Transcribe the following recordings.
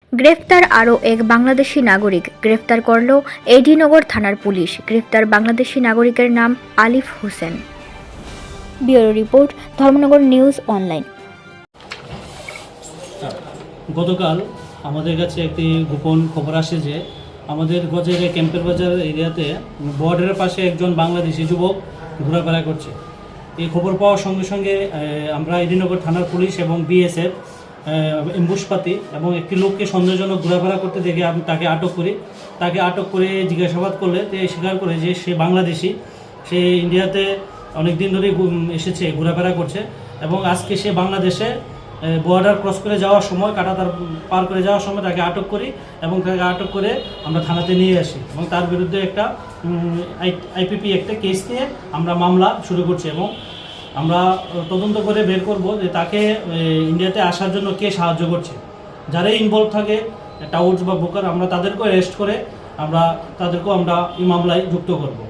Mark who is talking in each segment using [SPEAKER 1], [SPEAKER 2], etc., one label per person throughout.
[SPEAKER 1] গ্রেফতার আরও এক বাংলাদেশি নাগরিক। গ্রেফতার করল এডিনগর থানার পুলিশ। গ্রেফতার বাংলাদেশি নাগরিকের নাম Alif Hossain. Bureau report, Dharmanagar news online.
[SPEAKER 2] গতকাল আমাদের কাছে একটি গোপন খবর আসে যে আমাদের গজের ক্যাম্পের বাজার এরিয়াতে বর্ডারের পাশে একজন বাংলাদেশি যুবক ঘোরাফেরা করছে। এই খবর পাওয়ার সঙ্গে সঙ্গে আমরা এডিনগর থানার পুলিশ এবং বিএসএফ এম্বুশপাতি এবং একটি লোককে সন্দেহজনক ঘোরাফেরা করতে দেখে আমি তাকে আটক করি। তাকে আটক করে জিজ্ঞাসাবাদ করলে স্বীকার করে যে সে বাংলাদেশি, সে ইন্ডিয়াতে অনেক দিন ধরেই এসেছে, ঘোরাফেরা করছে এবং আজকে সে বাংলাদেশে বর্ডার ক্রস করে যাওয়ার সময় কাঁটাতার পার করে যাওয়ার সময় তাকে আটক করি এবং তাকে আটক করে আমরা থানাতে নিয়ে আসি এবং তার বিরুদ্ধে একটা আইপিপি একটা কেস নিয়ে আমরা মামলা শুরু করছি এবং আমরা তদন্ত করে বের করব যে তাকে ইন্ডিয়াতে আসার জন্য কে সাহায্য করছে। যারাই ইনভলভ থাকে টাউটস বা ব্রোকার, আমরা তাদেরকেও অ্যারেস্ট করে আমরা এই মামলায় যুক্ত করব।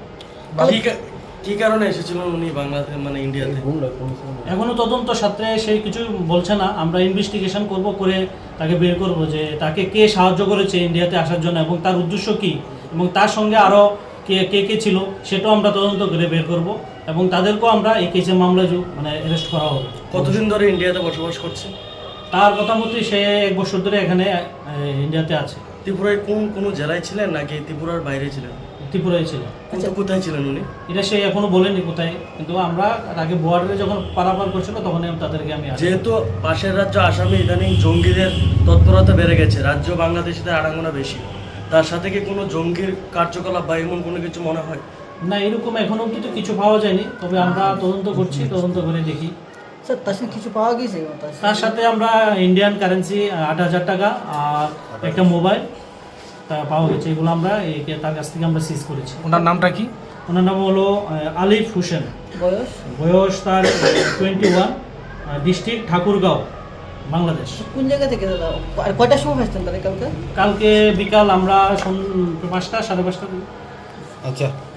[SPEAKER 3] কি কারণে এসেছিলেন উনি বাংলাদেশ ইন্ডিয়াতে?
[SPEAKER 2] এখনো তদন্ত সাথে সে কিছু বলছে না। আমরা ইনভেস্টিগেশন করে তাকে বের করব যে তাকে কে সাহায্য করেছে ইন্ডিয়াতে আসার জন্য এবং তার উদ্দেশ্য কী এবং তার সঙ্গে আরও কে ছিল সেটাও আমরা তদন্ত করে বের করব এবং তাদেরকেও আমরা এই কেসের মামলায় অ্যারেস্ট করা হবে।
[SPEAKER 3] কতদিন ধরে ইন্ডিয়াতে বসবাস করছে?
[SPEAKER 2] তার কথা মতে সে 1 বছর ধরে এখানে ইন্ডিয়াতে আছে।
[SPEAKER 3] ত্রিপুরায় কোনো জেলায় ছিলেন নাকি ত্রিপুরার বাইরে ছিলেন?
[SPEAKER 2] ত্রিপুরায় ছিল।
[SPEAKER 3] কোথায় ছিলেন উনি?
[SPEAKER 2] এটা সে এখনো বলেনি কোথায়, কিন্তু আমরা তাকে বর্ডারে যখন পারাপার করছিল তখন তাদেরকে আমি
[SPEAKER 3] যেহেতু পাশের রাজ্য আসামে ইদানিং জঙ্গিদের তৎপরতা বেড়ে গেছে, রাজ্য বাংলাদেশিদের আড়াগোনা বেশি, তার সাথে কি কোনো জঙ্গির কার্যকলাপ বা এমন কোনো কিছু মনে হয়?
[SPEAKER 2] না, এরকম এখনো অব্দি তো কিছু পাওয়া যায়নি, তবে আমরা তদন্ত করছি, তদন্ত করে দেখি।
[SPEAKER 4] স্যার তার সাথে কিছু পাওয়া গেছে?
[SPEAKER 2] তার সাথে আমরা ইন্ডিয়ান কারেন্সি 8,000 টাকা আর একটা মোবাইল পাওয়া গেছে। এগুলো আমরা তার কাছ থেকে আমরা সিজ করেছি।
[SPEAKER 5] ওনার নামটা কি?
[SPEAKER 2] ওনার নাম হলো আলিফ হোসেন। বয়স তার 21, ডিস্ট্রিক্ট ঠাকুরগাঁও, বাংলাদেশ।
[SPEAKER 4] কোন জায়গা থেকে দাদা? আর কয়টার সময় আসতেন তাহলে কালকে?
[SPEAKER 2] কালকে বিকাল আমরা 5টা 5:30।
[SPEAKER 5] আচ্ছা।